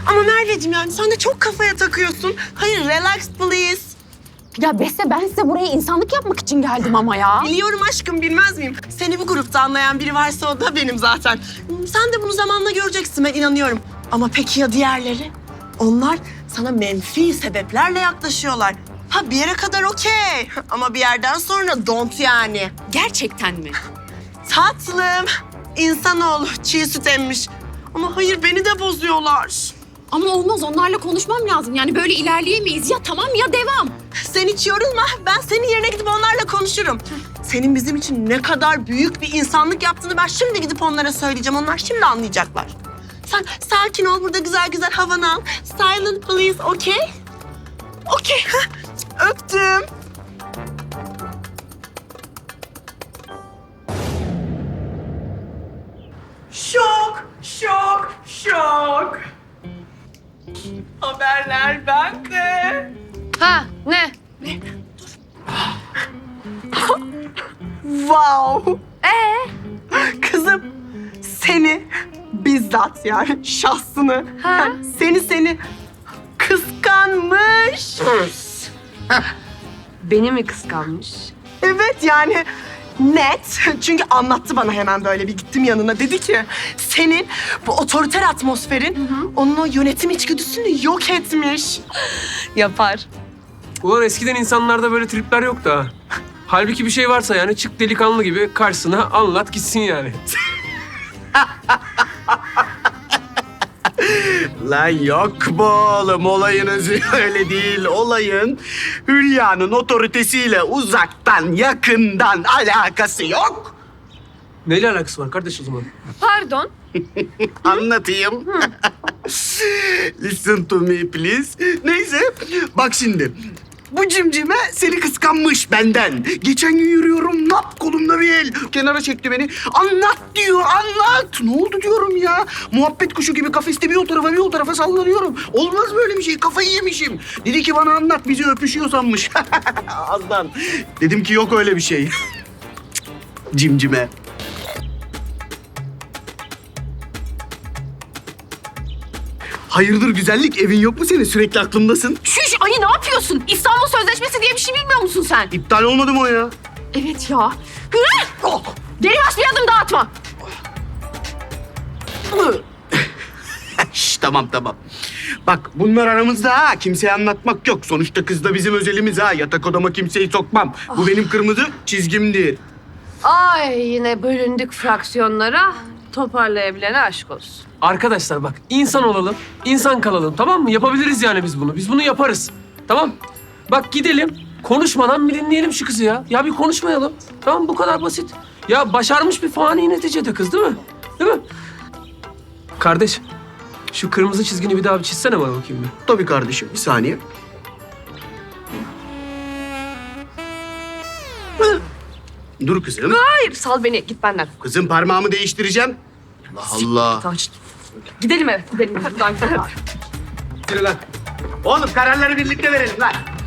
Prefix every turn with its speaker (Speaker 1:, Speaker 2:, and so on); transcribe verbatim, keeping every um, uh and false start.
Speaker 1: Ama Merveciğim yani sen de çok kafaya takıyorsun. Hayır, relax please.
Speaker 2: Ya Beste ben size buraya insanlık yapmak için geldim ama ya.
Speaker 1: Biliyorum aşkım, bilmez miyim? Seni bu grupta anlayan biri varsa o da benim zaten. Sen de bunu zamanla göreceksin, ben inanıyorum. Ama peki ya diğerleri? Onlar sana menfi sebeplerle yaklaşıyorlar. Ha bir yere kadar okey. Ama bir yerden sonra don't yani.
Speaker 2: Gerçekten mi?
Speaker 1: Tatlım, insanoğlu çiğ süt emmiş. Ama hayır, beni de bozuyorlar.
Speaker 2: Ama olmaz, onlarla konuşmam lazım. Yani böyle ilerleyemeyiz. Ya tamam ya devam.
Speaker 1: Sen hiç yorulma. Ben senin yerine gidip onlarla konuşurum. Senin bizim için ne kadar büyük bir insanlık yaptığını ben şimdi gidip onlara söyleyeceğim. Onlar şimdi anlayacaklar. Sen sakin ol, burada güzel güzel havanı al. Silent please, okay? Okay. Öptüm. Şok, şok, şok. Haberler bende.
Speaker 2: Ha ne?
Speaker 1: Wow. Ee? Kızım seni bizzat yani şahsını yani seni seni kıskanmış.
Speaker 3: Beni mi kıskanmış?
Speaker 1: Evet yani net. Çünkü anlattı bana hemen böyle bir gittim yanına. Dedi ki senin bu otoriter atmosferin onun o yönetim içgüdüsünü yok etmiş.
Speaker 3: Yapar.
Speaker 4: Ulan eskiden insanlarda böyle tripler yoktu ha. Halbuki bir şey varsa yani çık delikanlı gibi karşısına anlat gitsin yani.
Speaker 5: Lan yok bu oğlum, olayın özü öyle değil. Olayın Hülya'nın otoritesiyle uzaktan yakından alakası yok.
Speaker 4: Neyle alakası var kardeş o zaman?
Speaker 3: Pardon.
Speaker 5: Anlatayım. Listen to me please. Neyse bak şimdi. Bu cimcime seni kıskanmış benden. Geçen gün yürüyorum, nap kolumda bir el. Kenara çekti beni. Anlat diyor, anlat. Ne oldu diyorum ya. Muhabbet kuşu gibi kafeste bir o tarafa bir o tarafa sallanıyorum. Olmaz böyle bir şey, kafayı yemişim. Dedi ki bana anlat, bizi öpüşüyor sanmış. Azdan. Dedim ki yok öyle bir şey. Cimcime. Hayırdır güzellik, evin yok mu senin? Sürekli aklımdasın.
Speaker 2: Şuş ayı ne yapıyorsun? İstanbul Sözleşmesi diye bir şey bilmiyor musun sen?
Speaker 5: İptal olmadı mı o ya?
Speaker 2: Evet ya. Hı! Oh! Geri baş bir adım daha atma.
Speaker 5: Şş, tamam tamam. Bak bunlar aramızda ha. Kimseye anlatmak yok. Sonuçta kız da bizim özelimiz ha. Yatak odama kimseyi sokmam. Bu benim kırmızı çizgimdir.
Speaker 3: Ay yine bölündük fraksiyonlara. Toparlayabilene aşk olsun.
Speaker 4: Arkadaşlar bak insan olalım, insan kalalım tamam mı? Yapabiliriz yani biz bunu. Biz bunu yaparız. Tamam? Bak gidelim, konuşmadan bir dinleyelim şu kızı ya. Ya bir konuşmayalım. Tamam bu kadar basit. Ya başarmış bir fani neticede kız değil mi? Değil mi? Kardeş, şu kırmızı çizgini bir daha bir çizsene bana bakayım bir.
Speaker 5: Tabii kardeşim. Bir saniye. Dur kızım.
Speaker 3: Hayır sal beni git benden.
Speaker 5: Kızım parmağımı değiştireceğim. Allah Allah.
Speaker 3: Tamam, şişt. Gidelim eve gidelim. Buradan gidelim.
Speaker 4: Yürü lan.
Speaker 5: Oğlum kararları birlikte verelim lan.